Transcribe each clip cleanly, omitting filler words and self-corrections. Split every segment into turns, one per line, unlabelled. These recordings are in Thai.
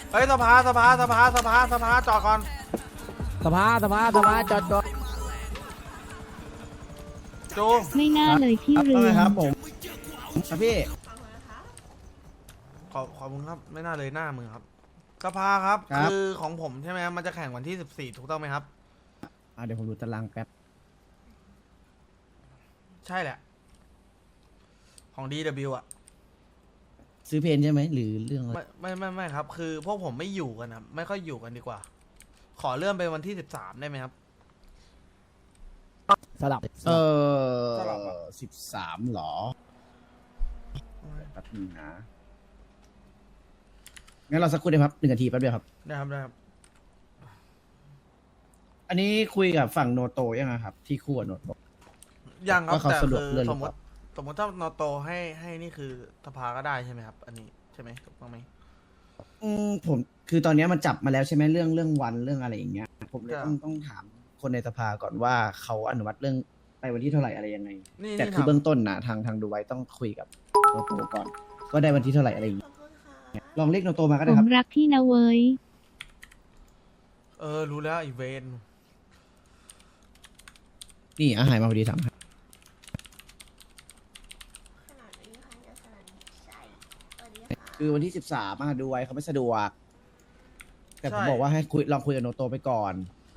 เฮ้ยสภาจอดก่อน
สภาจอด
จู
ไม่น่าเลยพี่เรือง
ครับผมครับพี่
ขอบคุณครับไม่น่าเลยหน้ามึงครับสภาครับคือของผมใช่ไหมมันจะแข่งวันที่14ถูกต้องไหมครับ
เดี๋ยวผมดูตารางแป๊บ
ใช่แหละของ DW อ่ะ
ซื้อเพนใช่ไหมหรือเรื่องอะไร
ไม่ครับ คือพวกผมไม่อยู่กันครับไม่ค่อยอยู่กันดีกว่า ขอเลื่อนไปวันที่13ได้ไหมครับ
สลับ
สลับอะ
13หรอแป๊บนึงนะงั้นเราสักครู่ได้ครับ1 นาทีแป๊บเดียวครับ
ได้ครับ
อันนี้คุยกับฝั่งโนโตยังไงครับ ที่คู่กับโนโต
ยังครับ
ว่าเขา
แต่
สะดวก
คือ
เลื่อนห
ส
รือ
ม
เป
ม
ล่า
ติถ้านอโตให้นี่คือสภาก็ได้ใช่ไหมครับ อันนี้ใช่ไหมถูกต้องไหม
ผมคือตอนนี้มันจับมาแล้วใช่ไหมเรื่องวันเรื่องอะไรอย่างเงี้ยผมเลย
ครับ
ต้องถามคนในสภาก่อนว่าเขาอนุมัติเรื่องไปวันที่เท่าไหร่อะไรยังไง
นี่
แต่
นี่
คือ
ถาม
เบื้องต้นนะทางดูไว้ต้องคุยกับโนโตก่อนว่าได้วันที่เท่าไหร่อะไรอย่างเงี้ยลองเรียกโนโตมาก็
ผ
ได้ค
ม
รับ
รักพี่นะเว้ย
รู้แล้วอีเวน
นี่อาหารมาพอดี3คือวันที่13ดูไว้เขาไม่สะดวกแต่ผมบอกว่าให้ลองคุยกับโนโตไปก่อน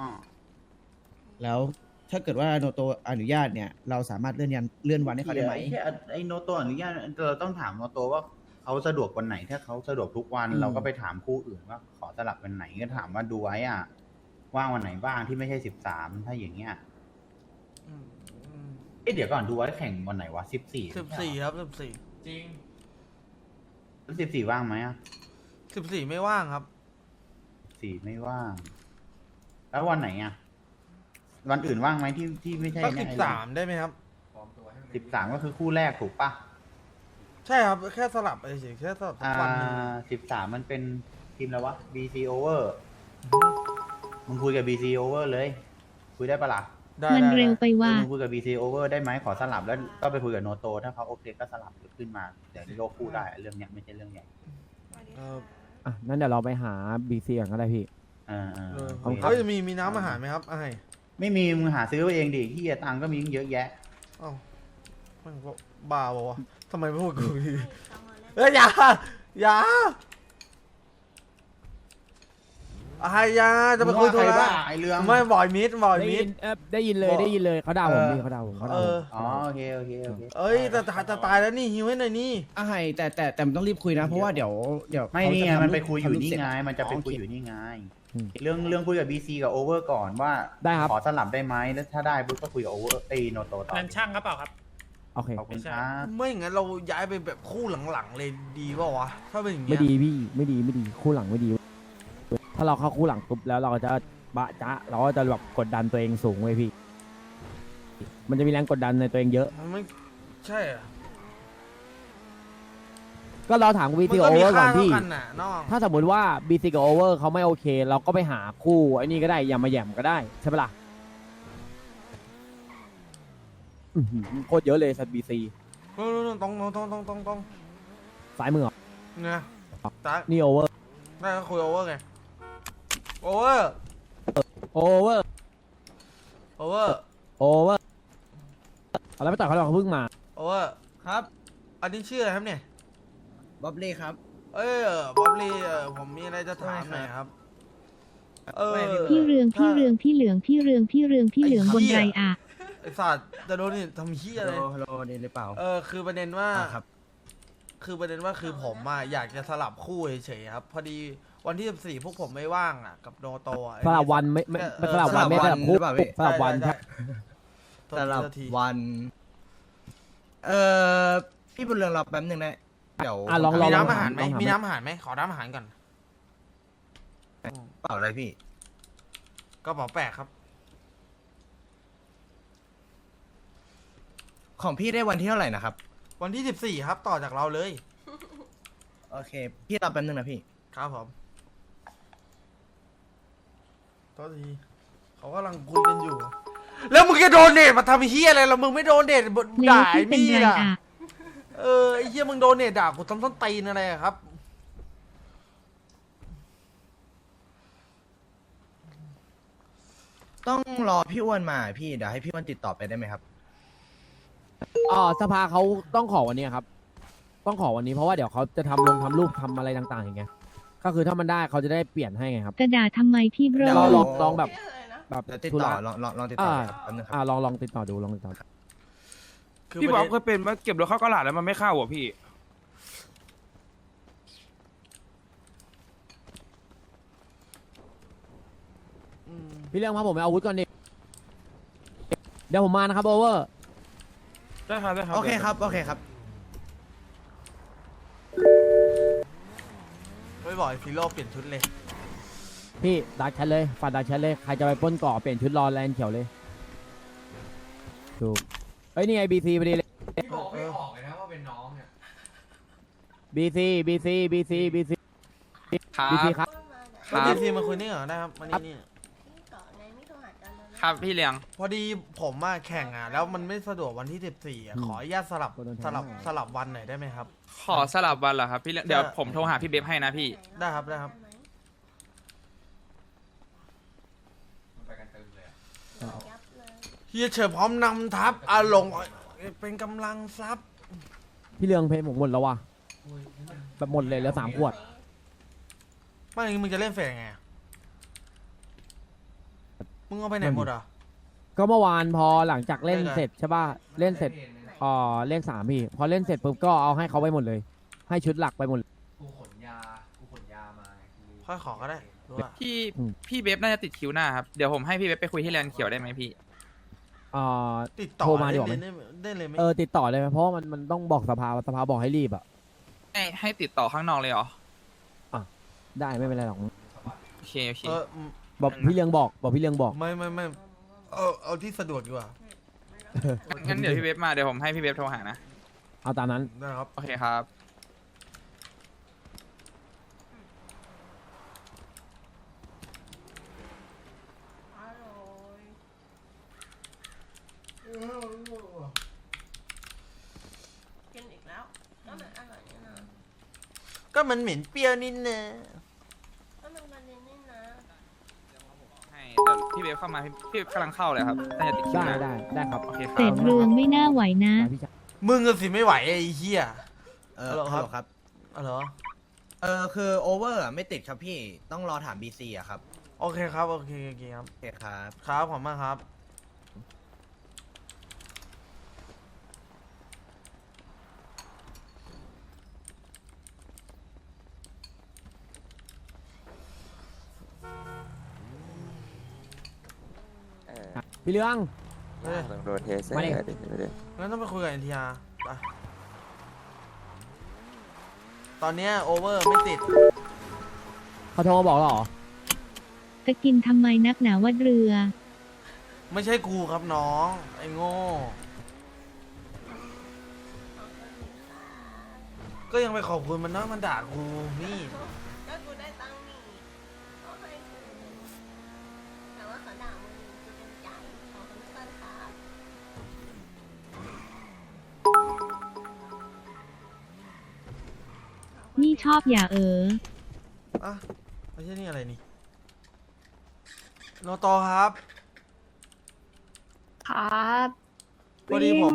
แล้วถ้าเกิดว่าโนโตอนุญาตเนี่ยเราสามารถเลื่อนวันให้เขาได้ไหม
ไอ้โนโตอนุญาตเราต้องถามโนโตว่าเขาสะดวกวันไหนถ้าเขาสะดวกทุกวันเราก็ไปถามคู่อื่นว่าขอสลับวันไหนก็ถามว่าดูไว้ว่างวันไหนบ้างที่ไม่ใช่13ถ้าอย่างเงี้ยเดี๋ยวก่อนดูไว้แข่งวันไหนวะ14
ครับจริง
14ว่างไหม
14ไม่ว่างครับ
4ไม่ว่าง แล้ววันไหนวันอื่นว่างไหมที่ไม่ใช่
สัก13ได้ไหมครับ
13ก็คือคู่แรกถูกปะ
ใช่ครับแค่สลับเฉยแค่สลับสักวันหนึง
13มันเป็นทีมแล้ววะ BC Over มึงคุยกับ BC Over เลยคุยได้ปะล่ะ
ได้
มันเร็วไปว่า
มึงคุยกับ BC Over ได้ไหมขอสลับแล้วก็ไปคุยกับโนโตถ้าเขาโอเคก็สลับขึ้นมาเดี๋ยวโยกคู่ได้เรื่องเนี้ยไม่ใช่เรื่องใหญ่
นั่นเดี๋ยวเราไปหาบีซีก่อนก็ได้พี่
เขาจะมีน้ำอาหารไหมครับไอ้
ไม่มีมึงหาซื้อเองดิที่ตังค์ก็มีเยอะแยะ
อ้าวมันก็บ้าบอกว่าทำไมไม่พูดกูดีอย่ายาจะไปคุย
ใคร
ตัว
บ้า
ละ
ไอเรื่อง
ไม่บ่อยมิด
ได้ยินเลยเขาด่าผมพี่เขาด่าผม
อ๋อโอเค
เอ้ยจะตายแล้วนี่หิวให้หน่อยนี่
แต่มันต้องรีบคุยนะเพราะว่าเดี๋ยว
ไม่
เขา
นี่
จะ
ไง
ทำ
มันไปคุยอยู่
ทำรูป
นี่
เสร็จ
ไงมันจะไปคุยอยู่นี่ไงเรื่องคุยกับ BC กับ Over ก่อนว่า
ได้ครับ
ขอสลับได้ไหมแล้วถ้าได้ปุ๊บก็คุยกับ Over โนโตต่อ
นั่นช่างครับเปล่าครับ
โอเค
ขอบคุณครับ
ไม่อย่างนั้นเราย้ายไปแบบคู่หลังๆเลยดีป่าวะถ้าเป็นอย่างเงี้
ไม่
ย
ดีพี่ไม่ดีคู่หลังไม่ดี ถ้าเราเข้าคู่หลังปุ๊บแล้วเราก็จะบะจ๊ะเราก็จะแบบกดดันตัวเองสูงไว้พี่ มันจะมีแรงกดดันในตัวเองเยอะ
มันไม่ใช่อะ
ก็เราถามบี
มั
ซี
น
กับ
ก็
โอ
มี
เวอร์ก่
ค่า
อน
เท่า
พี่
กันน่ะน้อง
ถ้าสมมติว่าบีซีกับโอเวอร์เขาไม่โอเค เราก็ไปหาคู่ไอ้นี่ก็ได้อย่ามาแหย่มก็ได้ใช่ปะล่ะโคตรเยอะเลยสัตว์บีซี
ตรง
ซ้ายมือเหรอ
เนี่ยตา
นี่โอเวอร์
ได้ก็คุยโอเวอร์ไงโอเวอร์
โอเวอร์เอาแล้วไปต่อเขาเราเพิ่งมา
โอเวอร์ครับ อันนี้ชื่ออะไรครับเนี่ย
บ๊อบเล่ครับ
บ๊อบลี่ผมมีอะไรจะถามหน่อยครับ
พี่เรืองบนไรอะ
ไอ้สัตว์จะโดนนี่ทำเหี้ยอะไร
ฮัลโหลนี่หรือเปล่า
คือประเด็นว่า
ครับ
คือผมอยากจะสลับคู่เฉยๆครับ พอดีวันที่14พวกผมไม่ว่างกับโนโต
สลับวันไม่สลับวันไม่สลับคู่สลับวัน
สลับ
วัน พี่บุญเรืองรอแป๊บนึงนะเดี๋ยว
ลอง
มีน้ำอาหารไหมมีน้ำอาหารไหมขอน้ำอาหารก่อน
เปล่าอะไรพี่
ก็เป๋าแปลกครับ
ของพี่ได้วันที่เท่าไหร่นะครับ
วันที่14ครับต่อจากเราเลย
โอเค พี่รอแป๊บนึงนะพี่
ครับผมโทษทีเขากำลังคุยกันอยู่ แล้วมึงจะโดนเดทมาทำเฮียอะไรแล้วมึงไม่โดนเดท
แล้ว
ด่า
พี่
ไอ้
เป็น
มี่
ไร
ล่ะ
อะ
ไอ้เฮียมึงโดนเดทด่ากูทำต้นตีนอะไรอะครับ
ต้องรอพี่อ้วนมาพี่เดี๋ยวให้พี่อ้วนติดต่อไปได้ไหมครับ
สภาเขาต้องขอวันนี้ครับ ต้องขอวันนี้เพราะว่าเดี๋ยวเขาจะทำรูปทำอะไรต่างๆอย่างเงี้ยก็คือถ้ามันได้เขาจะได้เปลี่ยนให้ไงครับ
กระดาษทำไมพี่เบร
เดี๋ยว
ลองแบบ แบบ
เดี๋ยวติด
ธุ
ต่อ
ระ
ลองติดต่อครับแป๊บนึงครับ
ลองติดต่อดูลองติดต่อ
คือ
พี่
ป
บ๊
ระ
อบ
เด็น
เคยเป็นว่าเก็บรถเข้ากระดาษแล้วมันไม่เข้าอ่ะพี่
อืม
พี่เรื่องมาผมไปเอาอาวุธก่อนดิเดี๋ยวผมมานะครับโอเวอร์
ได้ครับได้ครับ
โอเคครับโอเคครับ
ไม่บอกไอ้ฟิโลเปลี่ยนชุดเลย
พี่ดักแชทเลยฝากดักแชทเลยใครจะไปปล้นเกาะเปลี่ยนชุดรอแลนด์เขียวเลยถูกเฮ้ยนี่ไงบีซีพอดีเลย
บอกไม่ออก
BC
ครับ
BC ครับ
ค
ก็
รับ
ดีซีมาคุยนี่เหรอได้ครับมานี่
ครับพี่เลี้ยง
พอดีผมมาแข่งอ่ะแล้วมันไม่สะดวกวันที่14อ่ะขออนุญาตสลับวันหน่อยได้ไหมครับ
ขอสลับวันเหรอครับพี่เลี้ยงเดี๋ยวผมโทรหาพี่เบฟให้นะพี่
ได้ครับได้ครับเฮียเฉิดพร้อมนำทัพอาหลงเป็นกำลังทรัพย์
พี่เรืองเพลงผมหมดแล้วว่ะแบบหมดเลยแล้ว3 ขวด
ไม่อย่างงี้มึงจะเล่นเฟสไงอะมึงเอาไปไหนหมดอ่ะ
ก็เมื่อวานพอหลังจากเล่น
ได้ไง
เสร็จใช่ป่ะเล่นเสร็จเลข3พี่พอเล่นเสร็จปุ๊บก็เอาให้เขาไปหมดเลย ให้ชุดหลักไปหมดเลย
ค่อยขอก็ได้รู้ป่ะ
พี่
อืม
พี่เบฟน่าจะติดคิวหน้าครับเดี๋ยวผมให้พี่เบฟไปคุยที่แลนด์เขียวได้ไหมพี่
ติดต่อ
โทรมาดีกว่าไหม
ได้เลยไหม
ติดต่อเลยไหมเพราะว่ามันต้องบอกสภาบอกให้รีบอ่ะ
ให้ติดต่อข้างนอกเลยเหรอ
ได้ไม่เป็นไรหรอก
โอเคโอเค
บอกพี่เรืองบอกพี่เรืองบอก
ไม่เอาที่สะดวกดีกว่า
งั้นเดี๋ยวพี่เบฟมาเดี๋ยวผมให้พี่เบฟโทรหานะ
เอาตามนั้น
ได้ครับ
โอเคครับ
กินอีกแล้วก็มันอร่อยนี่นะ
ก็มันเหม็นเปรี้ยวนิดนะ
ก็มันมันนี่นะ
ให้เดี๋ยวพี่เบฟเข้ามาพี่เบฟกำลังเข้าเลยครับน่าจะติดคิว
ได้
หน้า
ได้ครับ
โอเคค
เศ
รับ
ษเรืองไม่น่าไหวนะ
ได้พี่ชาย
มึงก็สิไม่ไหวไอ้เหี้ย
ฮัลโหลครับ
อ๋อเหรอ
คือโอเวอร์ไม่ติดครับพี่ต้องรอถาม BC อะครับ
โอเคครับโอเคครับ
โอเคครับ
ครับขอบคุณมากครับ
พี่เรือง
เฮ้ย
ต้องโดนเทส
มาดิ
งั้นต้องไปคุยกับ NTR ไปตอนเนี้ยโอเวอร์ไม่ติด
เขาโทรมาบอกแล้วเหรอ
จะกินทำไมนักหนาวัดเรือ
ไม่ใช่กูครับน้อง ไอ้โง่ ก็ยังไปขอบคุณมันนะมันด่ากูนี่
ก็กูได้ตังค์นี่ก็ให้กูแต่ว่าเขาด่ามึงกูเต็มใจขอบคุณมากครับ
นี่ชอบอย่า
อ่ะไม่ใช่นี่อะไรนี่โนโตครับ
ครับ
พอดีผม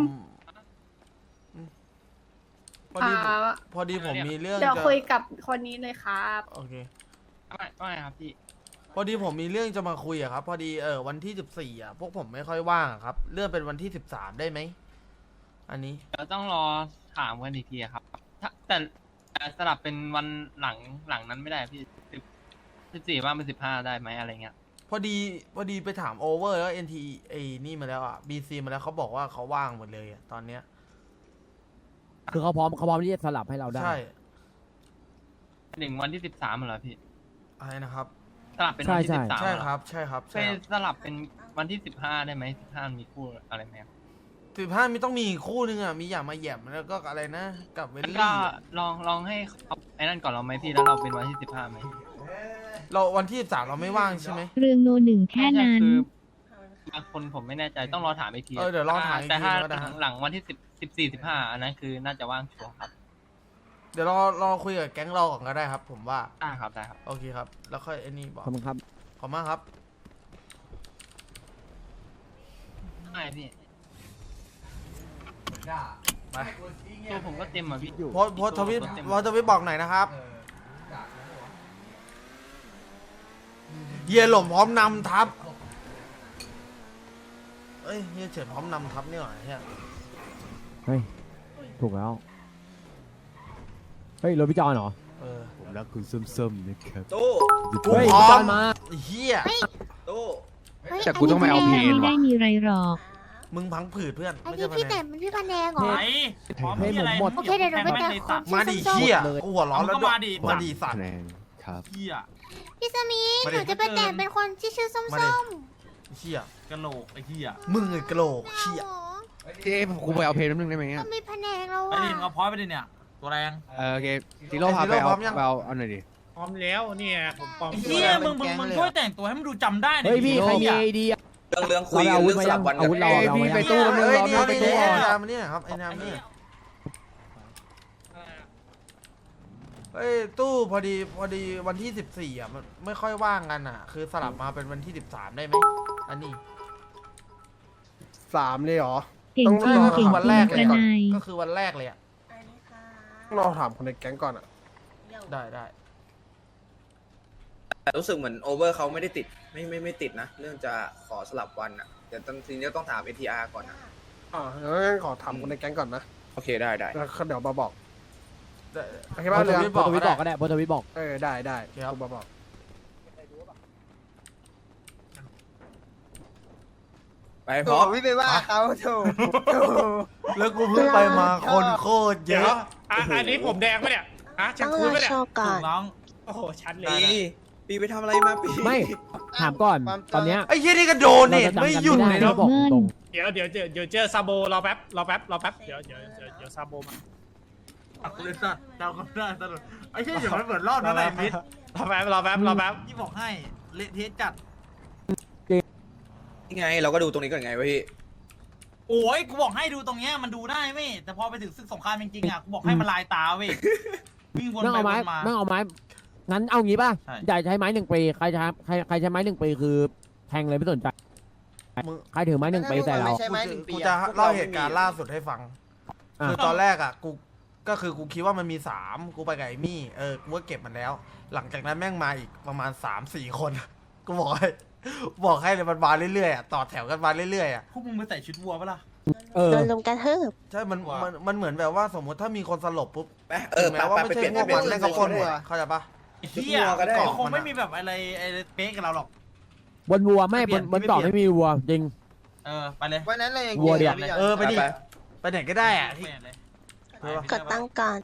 พอดี
ครับ
พอดีผมมีเรื่อง
เดี๋ยว
จะ
คุยกับคนนี้เลยครับ
โอเค
ไม่ครับพี่
พอดีผมมีเรื่องจะมาคุยอะครับ พอดีวันที่14อะพวกผมไม่ค่อยว่างอะครับ เลื่อนเป็นวันที่13ได้ไหมอันนี้
เดี๋ยวต้องรอถามกันอีกทีครับแต่สลับเป็นวันหลังนั้นไม่ได้พี่14ว่าเป็น15ได้ไหมอะไรเงี้ย
พอดีไปถามโอเวอร์แล้ว NT ไอ้นี่มาแล้วอ่ะ BC มาแล้วเขาบอกว่าเขาว่างหมดเลยอะตอนเนี้ย
คือเขาพร้อมที่จะสลับให้เราได้
ใช่
ถึงวันที่13เหรอพี่
อะไรนะครับ
สลับเป็นวันที่
ใช่
13
ใช่
เหรอ
ครับใช่ครับ
ไป
ใช่ครับ
สลับเป็นวันที่15ได้ไหม15มีคู่อะไรไหมครับ
15มีต้องมีอีกคู่นึงอ่ะมีอย่างมาแหย่มแล้วก็อะไรนะ กับเวล
ก็
ลี่
ลองให้เขาไอ้นั่นก่อนเราไหมพี่แล้วเราเป็นวันที่15ไหม
เราวันที่13เราไม่ว่างใช่ไหม
เรืองโนหนึ่งแค่นั้น
คือบางคนผมไม่แน่ใจต้องรอถามอีกที
เดี๋ยวลองถามอีก
แต่
ที
ถ้า
ก็ได้ครับ
หลังวันที่14-15อันนั้นคือน่าจะว่างชัวร์ครับ
เดี๋ยวรอคุยกับแก๊งเราก่อนก็ได้ครับ ผมว่า
ได้ครับได้ครับ
โอเคครับ แล้วค่อยไอ้นี่บอก
ขอบคุณครับ
ขอบมากครับ
ไม่พี่
ไป
ตัวผมก็เต็มอ่ะพี่
โพสต์ทวิตบอกหน่อยนะครับเฮียหล่มพร้อมนำทัพเอ้ยเฮียเฉินพร้อมนำทัพนี่หว่าเฮีย
เฮ้ย ถูกแล้ว เฮ้ยรถพี่จอนเหรอ
เออ
ผมรักคุณส้มๆนะครับ
ตู้
กู
เฮ้ย
พร้อ
พี่จอ
ม
นมา
เฮีย
ตู้
แต่กูต้องไปเอาเพลงไม่ได้มีไรหรอก
มึงพังผืดเพื่อน
อัน
ไม่
นี้
ใช่
พี่
ปะ
แต่
เนี่ย
มันพี่พันแดงเหรอ
เพลงผมหมด
โอเคเดี๋ยวหนูไปแต่คน
มาดิ
ส้ม
เฮียกูหัวร้อนแล้วด้วยมาดิสัตว์
คะแนนครับ
ๆพี่สมี
มา
ห
ดิ
นูจะไปแต่เป็นคนที่ชื่อส้ม
มาดิ
ส้ม
เฮีย
กะโหลกไอ้เหี้ย
มึงไอ้กะโหลกเฮีย
เจ๊ผมไปเอาเพลงนิดนึงได้ไหม
ก็มีพันแดงแล้ว
ไป
อ่ะ
ดิเอาพอยไปดิเนี่ย ตัวแรง
โอเคซีโร่พาไปเอาเอาหน่อยดิ
พร้อมแล้วเนี่ยผมปลอม
ไอ้เหี้ยมึงช่วยแต่งตัวให้มันดูจำได้หน่
เฮ้
อย ย
พี่
ดิ
ใครมีไอเดียเรื่องคุยอาวุธมายังอาวุธเราเอามายัง
ไปตู้แล้วมึง
เอ้ย
รอ
นี่
ไป
นี่
ตู้
ไอ้
ก่อน
นามเนี่ยครับไอ้นามเนี่ยเฮ้ยตู้พอดีวันที่14อ่ะมันไม่ค่อยว่างกันอ่ะ คือสลับมาเป็นวันที่13ได้ไหมอันนี้
3เลยเหรอ
เก่งจริง
ก็
เก่
คื
ง
อวัน
จริ
แรง ก
ก
เล
ระ
ย
นาย
ก็คือวันแรกเลยอ่ะ
อันนี้ค่ะ
เราถามคนในแก๊งก่อนอ่ะ
ได้
แต่รู้สึกเหมือนโอเวอร์เขาไม่ได้ติดไม่ติดนะ เรื่องจะขอสลับวันอ่ะแต่ทีนี้ต้องถาม ATR ก่อนนะ
งั้นขอถามคนในแก๊งก่อนนะ
โอเคได้
แล้วเดี๋ยวมาบอก
ได้
โอเค
โพ
ป่ะ
สต์
เรือ
ทวิตบอกก็ได้โพสต์ทวิตบอก
ได้
ครับ
กูมาบอก
ไปพร้อม
ไม่ไปว่าเขาถูก
แล้วกูเพิ่งไปมาคนโคตรเยอะ
อันนี้ผมแดงปะเนี่ยอ่ะฉัน
ต้อง
คู
ร
ณ
อ
ปะเนี่ย
โชว์ก่อน
น้อง
โอ้โหชัดเลย
ปีไปทำอะไรมาปี
ไม่ ถามก่อน ตอนเนี้ย
ไอ้เหี้ยนี่ก็โดนเนี่ยไม่หยุดเลย
เรา
นะ
บอกตรง
เดี๋ยวเจอซาโบรอแป๊บเดี๋ยวซาโบมา
ตักเลยสัตว์เจ้าก็ได้ตลอดไอ้เหี้ยอย่ามันเหมือนรอบนั้นเลยมิด
รอแป๊บ
ที่บอกให้เละเทะจัด
นี่ไงเราก็ดูตรงนี้ก่อนไงวะพี่
โอ้ยกูบอกให้ดูตรงเนี้ยมันดูได้เว้ยแต่พอไปถึงศึกสงครามจริงๆอ่ะกูบอกให้มันลายตาเว้ยวิ่งวน
นั่ง
ไป
เอา
ว
ไม้
นมา
นั่งเอาไม้ งั้นเอางี้ป่ะ
ใช่
อยากใช้ไม้1 ปี ใครใช้ไม้1 ปีคือแทงเลยไม่สนใจ
มึง
ใครถือไม้1 ปีใส่เรา
กูจะเล่าเหตุการณ์ล่าสุดให้ฟัง
อ่ะ
คือตอนแรกอ่ะกูคิดว่ามันมี3กูไปกับไอ้มี่กูก็เก็บมันแล้ว หลังจากนั้นแม่งมาอีกประมาณ3-4 คนกูบอกให้เลยมันมาเรื่อยๆอ่ะต่อแถวกันมาเรื่อยๆอ่ะ
พวกมึงไปใส่ชุดวัวปะล่ะ
เออ
โดนลุมกระทืบ
ใช่มันเหมือนแบบว่าสมมติถ้ามีคนสลบปุ๊บ
ไป
ถึงแม้ว่าไม่ใช่พวกมันแม่งก็คนหมดเข้าใจปะ
ไอ้เหี้ย
ก็ได้
คงไม่มีแบบอะไรเป๊ะกับเราหรอก
บนวัวไม่
ไม่เปลี่
บ
ยน
นเกาะ
ไม่
ไม่
เปลี่ยน
มีวัวจริง
ไปเลย
วันนั้นเลย
วัวเดียว
ไปดิไปไหนก็ได้อ่ะที่
เปลี่ยนเลย
กดตั้งก่อน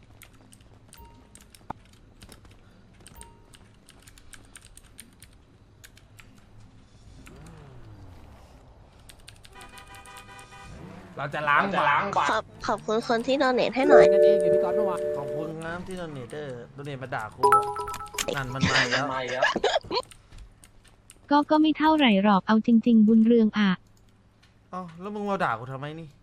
เราจะล้างบาป
ขอบคุณคนที่โดเนทให้หน่อย
นั่นเองเดี๋ยวพี่ก๊อตเมื่อวาน
ขอบคุณนะที่โดเนเตอร์โดเนทมาด่ากูนั่นมันมาแล้ว
ก็ไม่เท่าไหร่หรอกเอาจริง ๆ บุญเรืองอ่ะ
เอ้าแล้วมึงมาด่ากูทำไมนี่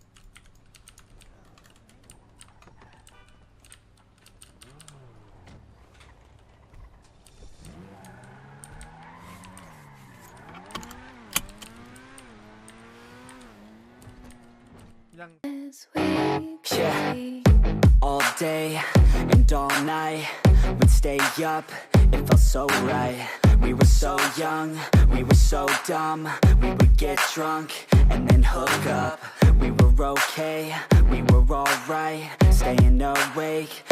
Yeah, all day and all night, we'd stay up, it felt so right. We were so young, we were so dumb, we would get drunk and then hook up. We were okay, we were alright, staying awake